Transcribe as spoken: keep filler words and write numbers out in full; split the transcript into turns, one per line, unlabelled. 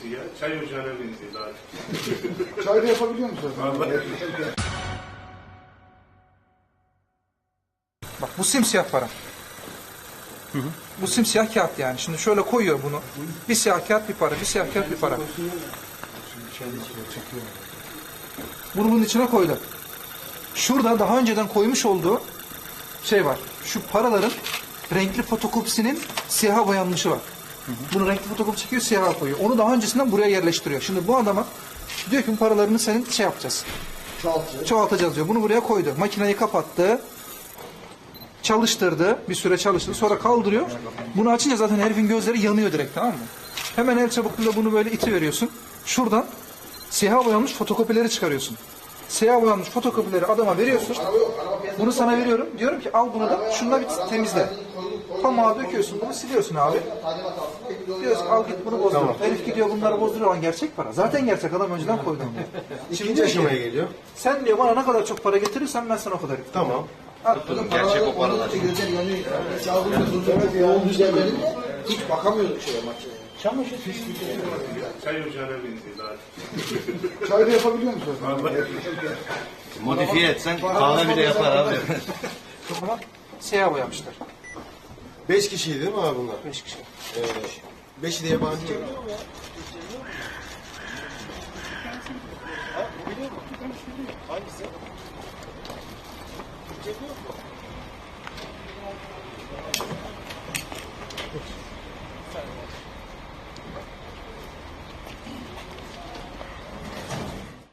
ya. Çay ocağına benziyor daha çok.
Çay da yapabiliyor musun?
Bak bu simsiyah para. Hı hı. Bu simsiyah kağıt yani. Şimdi şöyle koyuyor bunu. Bir siyah kağıt bir para, bir siyah kağıt bir para. Bunu bunun içine koydu. Şurada daha önceden koymuş olduğu şey var. Şu paraların renkli fotokopisinin siyaha boyanmışı var. Hı hı. Bunu renkli fotokopi çekiyor, siyaha koyuyor. Onu daha öncesinden buraya yerleştiriyor. Şimdi bu adama diyor ki bu paralarını senin şey yapacağız.
Çoğaltacağız.
Çoğaltacağız diyor. Bunu buraya koydu. Makineyi kapattı. Çalıştırdı. Bir süre çalıştırdı. Sonra kaldırıyor. Bunu açınca zaten herifin gözleri yanıyor direkt, tamam mı? Hemen el çabukluğuyla bunu böyle iti veriyorsun. Şuradan siyah boyanmış fotokopileri çıkarıyorsun. Siyah boyanmış fotokopileri adama veriyorsun. Bunu sana veriyorum. Diyorum ki al bunu da şununla bir temizle. Pamuğa döküyorsun, bunu siliyorsun abi. Diyorsun al git bunu bozdur. Tamam. Herif gidiyor bunları bozduruyor. Lan gerçek para. Zaten gerçek, adam önceden koydu.
İkinci aşamaya geliyor.
Sen diyor bana ne kadar çok para getirirsen ben sana o kadar getireyim.
Tamam.
Gerçek o paralar.
Gözler yanıyor. Evet ya. Olduğu yerlerinde hiç bakamıyorduk şeye makineye. Çamaşır pislik.
Çay ocağına benziyor daha çok.
Çay da yapabiliyor musun?
Modifiye etsen kahve bile yapar abi.
Ama siyah boyamışlar.
Beş kişiydi değil mi abi bunlar?
Beş kişi.
Ee, beşi de yabancı.
Hangisi?